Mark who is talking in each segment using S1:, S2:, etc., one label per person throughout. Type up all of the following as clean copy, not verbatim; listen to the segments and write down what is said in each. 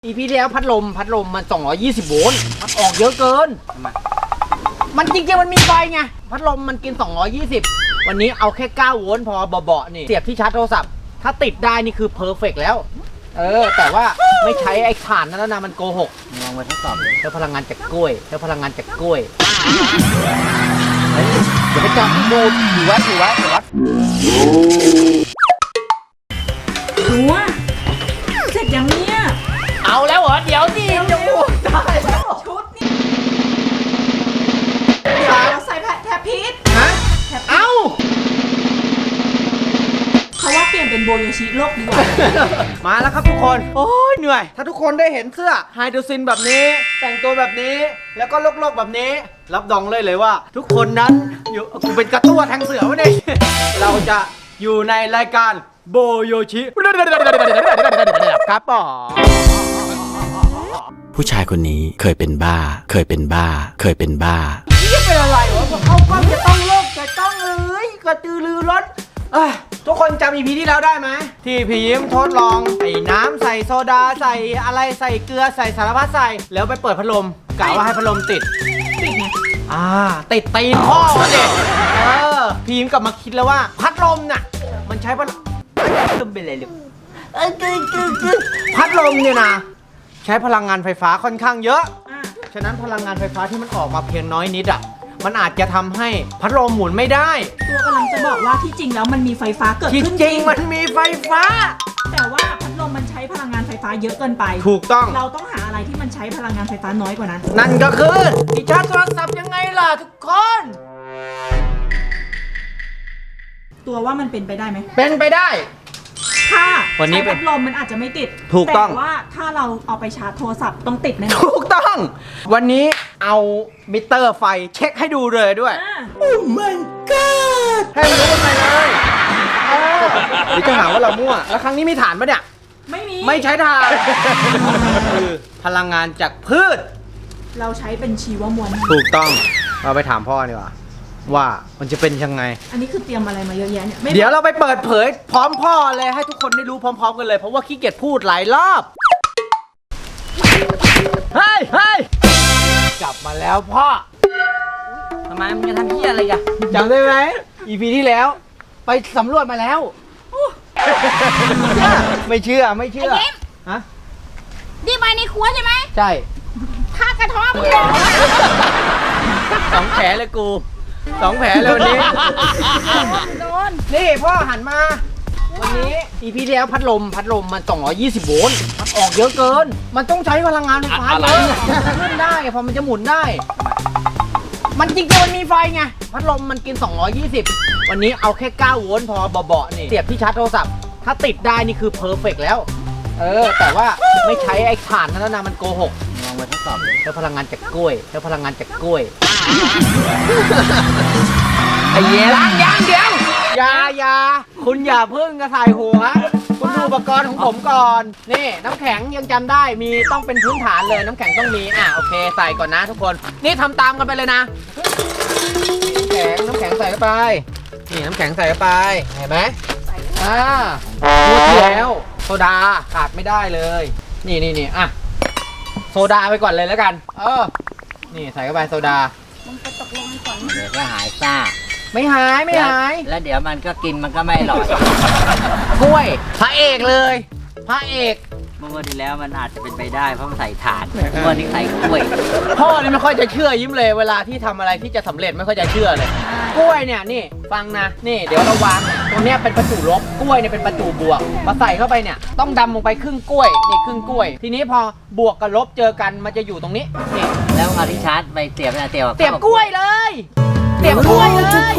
S1: EP ที่แล้วพัดลมมัน220โวลต์มันออกเยอะเกินมันจริงๆมันมีไฟไงพัดลมมันกิน220วันนี้เอาแค่9โวลต์พอเบาๆนี่เสียบที่ชาร์จโทรศัพท์ถ้าติดได้นี่คือเพอร์เฟกต์แล้วแต่ว่าไม่ใช้ไอ้ถ่านนั้นนะมันโกหกลองมาทดสอบเลยใช้พลังงานจากกล้วยเดี๋ยวไปจับดูถือไว้
S2: ตัวเสร็จยังเนี่ย
S1: เอาแล้วเหรอเดี๋ยวดิจะพูดได้แล้ว
S2: ชุดนี่เดี๋ยวเราใส่แทบพีช
S1: ฮะเอ้า
S2: เขาว่าเปลี่ยนเป็นโบโยชิโลกดีกว่า
S1: มาแล้วครับทุกคนโอ้ยเหนื่อยถ้าทุกคนได้เห็นเสื้อไฮโดรซินแบบนี้แต่งตัวแบบนี้แล้วก็โลกๆแบบนี้รับรองเลยว่าทุกคนนั้นอยู่กูเป็นกระตั้วแทงเสือวะเนี่ยเราจะอยู่ในรายการโบโยชิครับป๋อ
S3: ผู้ชายคนนี้เคยเป็นบ้า
S1: นี่เป็นอะไรวะพอเข้ากล้องจะต้องโลกจะต้องกระตือรือร้นทุกคนจำ EP ที่แล้วได้ไหมที่พี่ยิ้มทดลองใส่น้ำใส่โซดาใส่อะไรใส่เกลือใส่สารพัดใส่แล้วไปเปิดพัดลมกะว่าให้พัดลมติด
S2: ไง
S1: ติดตีนพ่อเด็กพี่ยิ้มกลับมาคิดแล้วว่าพัดลมน่ะมันใช้พัดลมเป็นอะไรลูกพัดลมเนี่ยนะใช้พลังงานไฟฟ้าค่อนข้างเยอะฉะนั้นพลังงานไฟฟ้าที่มันออกมาเพียงน้อยนิดมันอาจจะทำให้พัดลมหมุนไม่ได้
S2: ตัวกำลังจะบอกว่าที่จริงแล้วมันมีไฟฟ้าเกิดขึ้น
S1: จริงมันมีไฟฟ้า
S2: แต่ว่าพัดลมมันใช้พลังงานไฟฟ้าเยอะเกินไป
S1: ถูกต้อง
S2: เราต้องหาอะไรที่มันใช้พลังงานไฟฟ้าน้อยกว่านั้น
S1: นั่นก็คือที่ชาร์จโทรศัพท์ยังไงล่ะทุกคน
S2: ตัวว่ามันเป็นไปได้ไหม
S1: เป็นไปได้
S2: ถ้า
S1: วันนี้
S2: พัดลมมันอาจจะไม่ติด
S1: ถูกต้อง
S2: แต่ว่าถ้าเราเอาไปชาร์จโทรศัพท์ต้องติดแน่
S1: ถูกต้องวันนี้เอามิเตอร์ไฟเช็คให้ดูเลยด้วยโอ้ my god ให้รู้กันไปเลยหรือจะหาว่าเรามั่วแล้วครั้งนี้มีฐานปะเนี่ยไม่ใช้ฐานคือพลังงานจากพืช
S2: เราใช้เป็นชีวมวล
S1: ถูกต้องเราไปถามพ่อดีกว่าว่ามันจะเป็นยังไง
S2: อันนี้คือเตรียมอะไรมาเยอะแยะเนี่ย
S1: เดี๋ยวเราไปเปิดเผยพร้อมพ่อเลยให้ทุกคนได้รู้พร้อมๆกันเลยเพราะว่าขี้เกียจพูดหลายรอบเฮ้ยกลับมาแล้วพ่อทำไมมันจะทำเหี้ยอะไรกันจำได้ไหม EP ที่แล้วไปสำรวจมาแล้วไม่เชื่อฮะ
S4: ดีไปในครัวใช่ไหม
S1: ใช่
S4: ข้ากระท้อมึงเลย
S1: 2 แผลเลยกู2 แผลเลยวันนี้
S4: โดน
S1: นี่พ่อหันมาวันนี้ EP ที่แล้วพัดลมมัน220โวลต์มันออกเยอะเกินมันต้องใช้พลังงานไฟฟ้าเยอะขึ้นได้พอมันจะหมุนได้มันจริงๆมันมีไฟไงพัดลมมันกิน220วันนี้เอาแค่9โวลต์พอเบาๆนี่เสียบที่ชาร์จโทรศัพท์ถ้าติดได้นี่คือเพอร์เฟกต์แล้วแต่ว่าไม่ใช้ไอ้ถ่านนั้นนะมันโกหกลองมาทดสอบเลยใช้พลังงานจากกล้วยไอ้เหี้ยล้างยางเดียวอย่าคุณอย่าเพิ่งกระถ่ายหัวคุณดูอุปกรณ์ของผมก่อนนี่น้ำแข็งยังจำได้มีต้องเป็นพื้นฐานเลยน้ำแข็งต้องมีโอเคใส่ก่อนนะทุกคนนี่ทำตามกันไปเลยนะน้ำแข็งใส่เข้าไปนี่น้ำแข็งใส่เข้าไปเห็นไหมพูดที่แล้วโซดาขาดไม่ได้เลยนี่โซดาไปก่อนเลยแล้วกันนี่ใส่เข้าไปโซดา
S4: มึงไปตกลงก่อน
S5: เดี๋ยวก็หายซ่า
S1: ไม่หาย
S5: แล้วเดี๋ยวมันก็กินมันก็ไม่อร่อย
S1: กล้วยพระเอกเลยพระเอก
S5: เมื่อวันที่แล้วมันอาจจะเป็นไปได้เพราะมันใส่ถ่านเมื่อนี้ใส่กล้วย
S1: พ่อนี่ไม่ค่อยจะเชื่อยิ้มเลยเวลาที่ทำอะไรที่จะสำเร็จไม่ค่อยจะเชื่อเลยกล้วยเนี่ยนี่ฟังนะนี่เดี๋ยวเราวางตรงเนี้ยเป็นประจุลบกล้วยเนี่ยเป็นประจุบวกมาใส่เข้าไปเนี่ยต้องดำลงไปครึ่งกล้วยนี่ครึ่งกล้วยทีนี้พอบวกกับลบเจอกันมันจะอยู่ตรงนี้นี่
S5: แล้วเอาที่ชาร์จไปเสียบ
S1: กล้วยเลยเสียบกล้วยเลย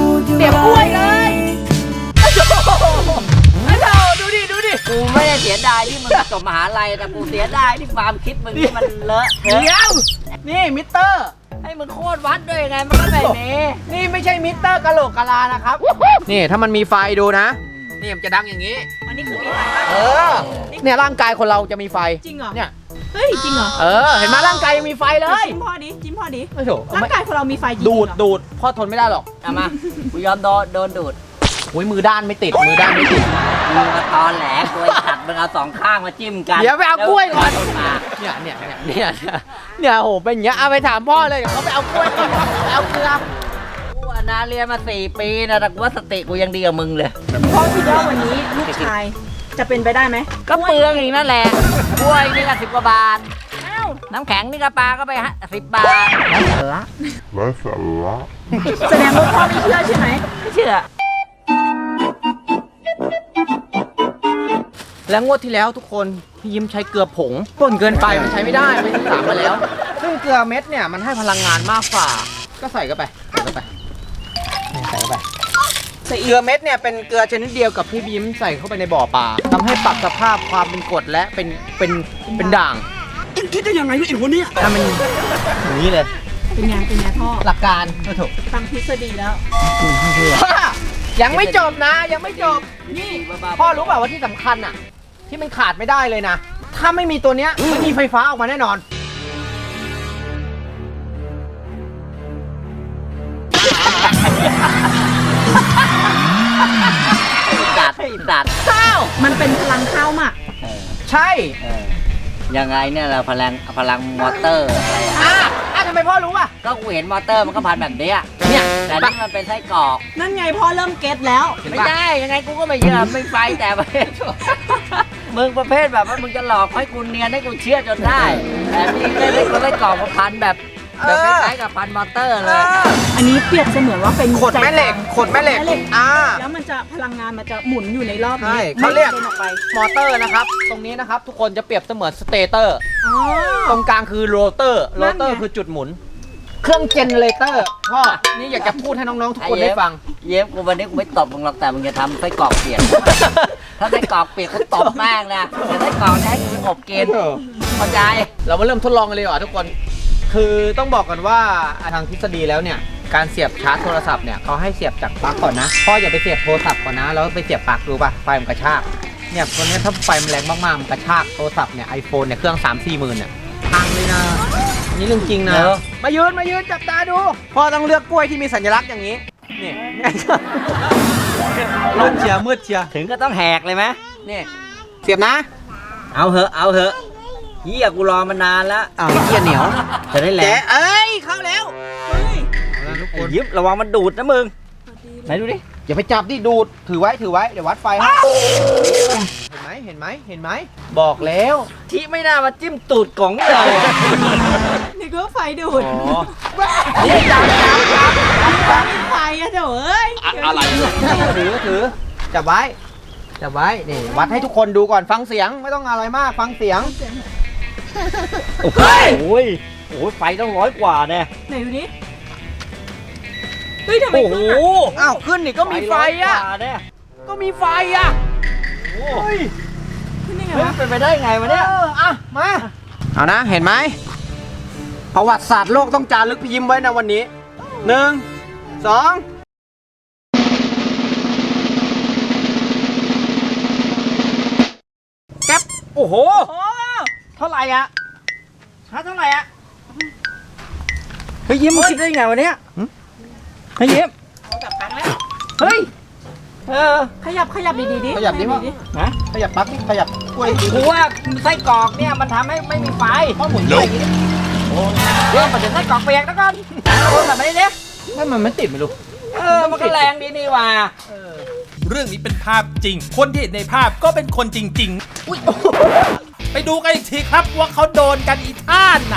S1: ดูดิ
S5: กูไม่ได้เสียดายที่มึงจบมหาลัยแต่กูเสียดายที่ความคิดมึงที่มันเลอะ
S1: เดี๋ยวนี่มิเตอร์
S5: ให้มึงโคตรวัดด้วยไงมันก็แบบนี้
S1: นี่ไม่ใช่มิเตอร์กะโหลกกะลานะครับนี่ถ้ามันมีไฟดูนะนี่มันจะดังอย่างนี้
S2: อันนี้คือมีไฟ
S1: เนี่ยร่างกายคนเราจะมีไฟ
S2: จริงเหรอ
S1: เนี่ย
S2: เฮ้ยจริงเหรอ
S1: เห็นไหมร่างกายยังมีไฟเลย
S2: จิ้มพ่อดิ
S1: ไม่ถูก
S2: ร่างกายของเรามีไฟจริง
S1: ดูดพ่อทนไม่ได้หรอก
S5: เอามากูยอมโดนดูด
S1: มือด้านไม่ติด
S5: มึงมาตอนแหลกตัวขัดมึงเอาสองข้างมาจิ้มกัน
S1: เดี๋ยวไปเอากล้วยก่อน
S5: มา
S1: เนี่ยโหเป็นอย่างเงี้ยเอาไปถามพ่อเลยเดี๋ยวเขาไปเอากล้วยก่อนไปเอาเกลือ
S5: กูอะนะเรียนมา4 ปีนะแต่กูว่าสติกูยังดีกว่ามึงเลย
S2: พ่อคิดว่าวันนี้ลูกชายจะเป็นไปได้ไหม
S5: ก็เปลืองอีกนั่นแหละกล้วยนี่ก็10 กว่าบาท
S2: อ้าว
S5: น้ำแข็งนี่ก็ปลาก็ไป10 บาทละ
S2: แสดงว่าพ่อไม่เชื่อใช่ไหม
S5: ไม่เชื่อ
S1: แล้วงวดที่แล้วทุกคนพี่ยิ้มใช้เกลือผงป่นเกินไปมันใช้ไม่ได้ไปศึกษามาแล้ว ซึ่งเกลือเม็ดเนี่ยมันให้พลังงานมากกว่าก็ใส่เข้าไปใส่เข้าไปใส่เข้าไปเกลือเม็ดเนี่ยเป็นเกลือชนิดเดียวกับที่พี่ยิ้มใส่เข้าไปในบ่อปลาทำให้ปรับสภาพความเป็นกรดและเป็นด่างคิดได้ยังไงเนี่ยไอ้หัวเนี่ยถ้ามันอย่างนี้เลย
S2: เป็นไงพ่อ
S1: หลักการก็ถูก
S2: ฟังทฤษฎีแล้ว
S1: ยังไม่จบนะยังไม่จบนี่พ่อรู้เปล่าว่าที่สำคัญอ่ะที่มันขาดไม่ได้เลยนะถ้าไม่มีตัวเนี้ยไม่มีไฟฟ้าออกมาแน่นอน
S5: ดัดดัด
S1: ข้าว
S2: มันเป็นพลังข้าวหมัก
S1: ใช่
S5: ยังไงเนี่ยเราพลังมอเตอร์อะไรอะ
S1: ทำไมพ่อรู้อ่ะ
S5: ก็กูเห็นมอเตอร์มันก็พันแบบเนี้ย
S1: เนี่ย
S5: แต่นี่มันเป็นไส้กรอก
S2: นั่นไงพ่อเริ่มเก็ตแล้ว
S5: ไม่ได้ยังไงกูก็ไม่เชื่อไม่ไฟแต่ประเภท มึงประเภทแบบว่ามึงจะหลอกให้กูเนียนให้กูเชื่อจนได้แต่นี่ไม่ได้กูไส้กรอกมาพันแบบคล้ายๆกับพันมอเตอร์เลย
S2: อันนี้เปรียบเสมือนว่าเป็น
S1: ขดแม่เหล็กขดแม่เหล็ก
S2: แล้วมันจะพลังงานมันจะหมุนอยู่ในรอบ
S1: ใช่
S2: นี้
S1: เขาเรียก
S2: ไม่กระด็นออกไป
S1: มอเตอร์นะครับตรงนี้นะครับทุกคนจะเปรียบเสมือนสเตเตอร์
S2: อ๋อ
S1: ตรงกลางคือโรเตอร์
S2: นั่นไง
S1: คือจุดหมุน เครื่องเจเนเรเตอร์พ่อนี่อยากจะพูดให้น้องๆทุกคนได้ฟัง
S5: เย็บกูวันนี้กูไม่ตบมึงหรอกแต่มึงจะทำไส้กรอกเปียก ถ้าไส้กรอกเปียกกูตบแม่งนะแต่ไส้กรอกให้กูอบกินเข้าใจ
S1: เรามาเริ่มทดลองกันเลยดีกว่าทุกคน คือต้องบอกกันว่าทางทฤษฎีแล้วเนี่ยการเสียบชาร์จโทรศัพท์เนี่ยเขาให้เสียบจากปลั๊กก่อนนะพ่ออย่าไปเสียบโทรศัพท์ก่อนนะแล้วไปเสียบปลั๊กรู้ป่ะไฟมันกระชากเนี่ยตัวนี้ถ้าไฟมันแรงมากๆมันกระชากโทรศัพท์เนี่ย iPhone เนี่ยเครื่อง 3-4 หมื่นเนี่ยพังเลยนะนี่เรื่องจริงนะมายืนจับตาดูพ่อต้องเลือกกล้วยที่มีสัญลักษณ์อย่างนี้นี่มืดเชียร์มืดเชียร์
S5: ถึงก็ต้องแหกเลยไหม
S1: นี่เสียบนะ
S5: เอาเหอะเฮียกูรอมานานแล้ว
S1: อ้าวเกียร์เหนียว
S5: จะได้แหล
S1: แก
S5: ก
S1: เอ้ยเข้าแล้วทุกคน
S5: ยิบระวังมันดูดนะมึงไหนดูดิ
S1: อย่าไปจับดิดูดถือไว้เดี๋ยววัดไฟให้เห็นไหมบอกแล้ว
S5: ที่ไม่น่ามาจิ้มตูดกล่องเลย
S2: นี่ก็ไฟดูด
S1: นี่จับ
S2: ไฟอะเดี๋ยวเอ้ย
S1: ถือจับไว้นี่วัดให้ทุกคนดูก่อนฟังเสียงไม่ต้องอะไรมากฟังเสียง
S5: โอ้ยไฟต้อง100 กว่าแน่
S2: ไหนดูดิเฮ้ยทำไม
S5: โอ้โห
S2: ขึ้นอะ
S1: อ้าวขึ้นนี่ก็มีไฟอ่ะ
S5: 100 กว่าแน่
S1: ก็มีไฟอ่ะ
S5: โอ้ย
S2: ขึ้นได้ไง
S5: เฮ้ยว
S2: ะ
S5: เป็นไปได้ไงวะเนี่ย
S1: อ่ะมาเอานะเห็นไหมประวัติศาสตร์โลกต้องจารึกพี่ยิ้มไว้นะวันนี้1 2แก๊ป
S5: โอ้โห
S2: โอ้
S5: เท่าไหร่อะชาร์จเท่าไหร่อะเฮ้ยยิ้มมึงคิดได้ไงวะเนี่ยเฮ้ยยิ้ม
S2: แบบพังแล้ว
S5: เฮ้ย
S2: ขยับดีๆดิ
S1: ขยับดิวะ
S5: นะ
S1: ขยับปลั๊กดิขยับกล้วยดิ
S5: กูว่าไส้กรอกเนี่ยมันทำให้ไม่มีไฟ
S1: ข้อหมุนด้วยอย่างนี้
S5: เดี๋ยวมาถึงไส้กรอกเปียกแล้วกันโอ้แบบนี้เนี่ย
S1: ให้มันไม่ติดไม่รู้
S5: มันก็แรงดีนี่ว่า
S6: เรื่องนี้เป็นภาพจริง คนที่เห็นในภาพก็เป็นคนจริงๆ ไปดูกันอีกทีครับว่าเขาโดนกันอีท่าไหน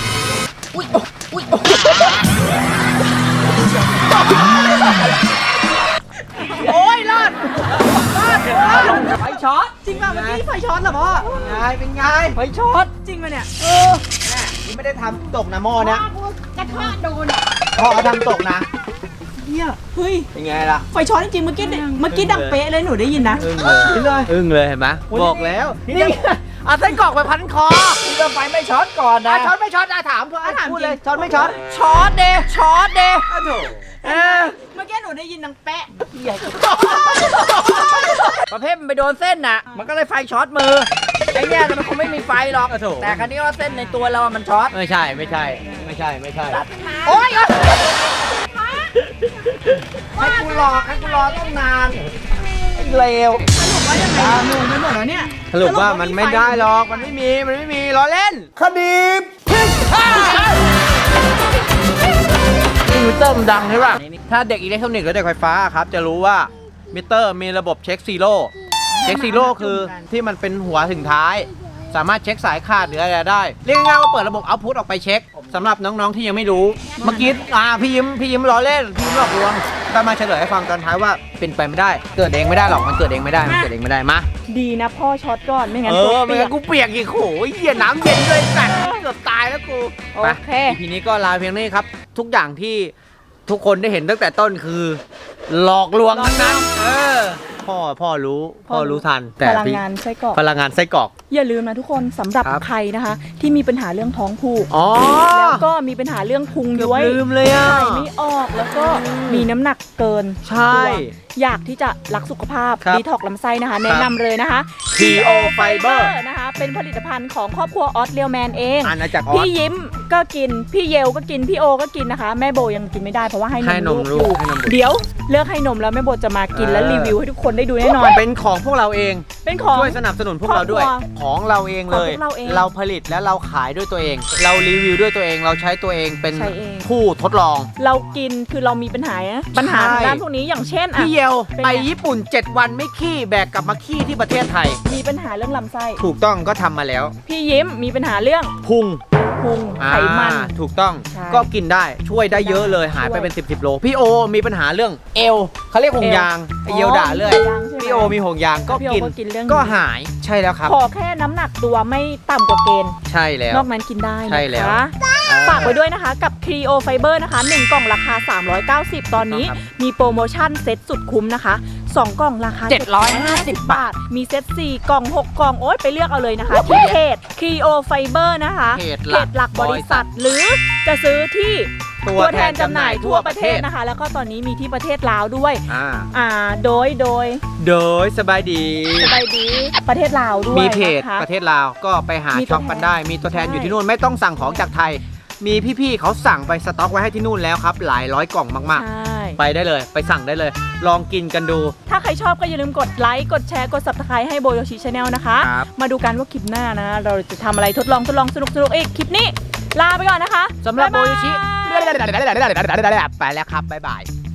S1: โอ้ยรอด
S5: ไฟช็อต
S2: จริงป่ะเมื่อกี้ไฟช็อตเหรอพ่อ
S1: เป็นไง
S5: ไฟช็อต
S2: จริงป่ะเนี่ย
S1: นี่ไม่ได้ทำตกนะหม้อเนี้ย
S4: กระทะโดน
S1: พ่อเขาทำตกนะ
S2: เฮียเฮ้ย
S1: เป็นไงล่ะ
S2: ไฟช็อตจริงๆเมื่อกี้ดังเป๊ะเลยหนูได้ยินนะ
S1: อึ้งเลยเห็นไหมบอกแล้วนี่เอาไส้กรอกไปพันคอ
S5: เรือไฟไม่ช็อตก่อนนะ
S1: ช็อตไม่ช็อตถามเพื่อถามพูดเลยช็อตไม่ช็อต
S5: ช็อตเดช็อตเด
S2: เมื่อกี้หนูได้ยินดังเป๊ะ
S5: ประเภทมันไปโดนเส้นน่ะ มันก็เลยไฟช็อตมือ ไอ้เนี่ยมันคงไม่มีไฟหรอก แต่ครั้นี้ว่าเส้นในตัวเรามันช็อต
S1: ไม่ใช่โอ๊ยให้กูรอต้องนานเลว
S2: สรุปว่ายังไงงงไปหมดแล้วเนี่ย
S1: สรุปว่ามันไม่ได้หรอกมันไม่มีล้อเล่นคดีพิษนี่มิเตอร์มันดังใช่ป่ะถ้าเด็กอิเล็กทรอนิกส์หรือเด็กไฟฟ้าครับจะรู้ว่ามิเตอร์มีระบบเช็คซีโร่คือที่มันเป็นหัวถึงท้าย สามารถเช็คสายขาดหรืออะไรได้เรียกง่ายๆว่าเปิดระบบเอาพุทออกไปเช็คสำหรับน้องๆที่ยังไม่รู้เมื่อกี้พี่ยิ้มล้อเล่นพี่ยิ้มหลอกลวงแต่มาเฉลยให้ฟังตอนท้ายว่าเป็นไปไม่ได้เกิดเองไม่ได้หรอกมันเกิดเองไม่ได้มา
S2: ดีนะพ่อช็อตก่อนไม่งั้น
S1: ไม่งั้นกูเปียกอีกโหเหี้ยน้ำเย็นเลยสัตว์เกือบตายแล้วกู
S2: โอเค
S1: ทีนี้ก็ลาเพียงนี้ครับทุกอย่างที่ทุกคนได้เห็นตั้งแต่ต้นคือ หลอกลวงทั้งนั้นพ่อรู้ทันแต่
S2: พลังงานไส้กรอก
S1: พลังงานไส้กรอก
S2: อย่าลืมนะทุกคนสำหรับ
S1: ครับ
S2: ใครนะคะ ที่มีปัญหาเรื่องท้องผูก
S1: อ๋อ
S2: แล้วก็มีปัญหาเรื่องพุง
S1: เกือบ
S2: ย้วย
S1: ลืมเลยอ่ะ
S2: ถ่ายไม่ออกแล้วก็มีน้ำหนักเกิน
S1: ใช่
S2: ตัวอยากที่จะรักสุขภาพ
S1: ครับ
S2: ดีท็อกลำไส้นะคะ แนะนำเลยนะคะ
S1: TO Fiber
S2: นะคะ เป็นผลิตภัณฑ์ของครอบครัวออสเรียลแมนเอง
S1: อาณาจักรออ
S2: พี่
S1: ส
S2: ยิ้มก็กิน พี่เยลก็กิน พี่โอก็กินนะคะ แม่โบยังกินไม่ได้เพราะว่าให้
S1: ให้น
S2: น
S1: ม
S2: ม
S1: ลู
S2: ลู
S1: ก
S2: ก
S1: ให้นมบุตร
S2: เดี๋ยวเลิกให้นมแล้วแม่โบจะมากินและรีวิวให้ทุกคนได้ดูแน่นอน
S1: เป็นของพวกเราเอง
S2: เป็นของ
S1: ช่วยสนับสนุนพวกเราด้วย
S2: ครอบครัว
S1: ของเราเองเลย
S2: ของพวกเราเอง
S1: เราผลิตและเราขายด้วยตัวเอง เรารีวิวด้วยตัวเอง เราใช้ตัวเองเป็น
S2: ใช้เอง
S1: ผู้ทดลอง
S2: เรากินคือเรามีปัญหาทางด้านพวกนี้อย่างเช่นอ่ะ
S1: พี่เยล
S2: เป็นไง
S1: ไปญี่ปุ่น 7 วันไม่ขี้แบกกลับมาขี้ที่ประเทศไทย
S2: มีปัญหาเรื่องลำไส้
S1: ถูกต้องก็ทำมาแล้ว
S2: พี่ยิ้มมีปัญหาเรื่อง
S1: พุง
S2: พุงไขมัน
S1: ถูกต้อง
S2: ใช่
S1: ก็กินได้ช่วยได้เยอะเลยหายไปเป็น 10 โลพี่โอมีปัญหาเรื่องเอวเขาเรียกห่วงยางไอเยลด่าเลย
S2: ห่วงยางใช่ไหม
S1: พี่โอมีห่วงยางก็
S2: พี่โอ
S1: กิน
S2: ก็กินเรื่อง
S1: ก็หายใช่แล้วครับ
S2: ขอแค่น้ำหนักตัวไม่ต่ำกว่าเกณฑ์
S1: ใช่แล้ว
S2: นอกนั้นกินได้
S1: ใช่แล้ว
S2: นะคะฝากไว้ด้วยนะคะกับ Creo Fiber นะคะ1กล่องราคา 390 ตอนนี้
S1: ครับ
S2: มีโปรโมชั่นเซ็ตสุดคุ้มนะคะ 2 กล่องราคา 750 บาท มีเซ็ต4 กล่อง 6 กล่อง โอ๊ยไปเลือกเอาเลยนะคะ ที่เพจ Creo Fiber นะคะ
S1: เพจ
S2: หลักบริษัท หรือจะซื้อที่
S1: ตัวแทนจำหน่ายทั่วประเทศ
S2: นะคะ แล้วก็ตอนนี้มีที่ประเทศลาวด้วย โดย
S1: โดยสบายดี
S2: สบายดีประเทศลาวด้วย
S1: มีเพจ
S2: นะคะ
S1: ประเทศลาวก็ไปหา
S2: มีตัว
S1: ช็อปกันได้ มีตัวแทนอยู่ที่นู่นไม่ต้องสั่งของจากไทย มีพี่ๆเขาสั่งไปสต็อกไว้ให้ที่นู่นแล้วครับ หลายร้อยกล่องมาก
S2: ใช่
S1: ๆ ไปได้เลยไปสั่งได้เลย ลองกินกันดู
S2: ถ้าใครชอบก็อย่าลืมกดไลค์ กดแชร์ กด subscribe ให้โบโยชิชาแนลนะคะ
S1: ครับ
S2: มาดูกันว่าคลิปหน้านะ เราจะทำอะไรทดลองสนุกอีก คลิปนี้ ลาไปก่อนนะคะ
S1: สำหรับโบ
S2: ายาย
S1: โยชิไปแล้วครับบ๊ายบาย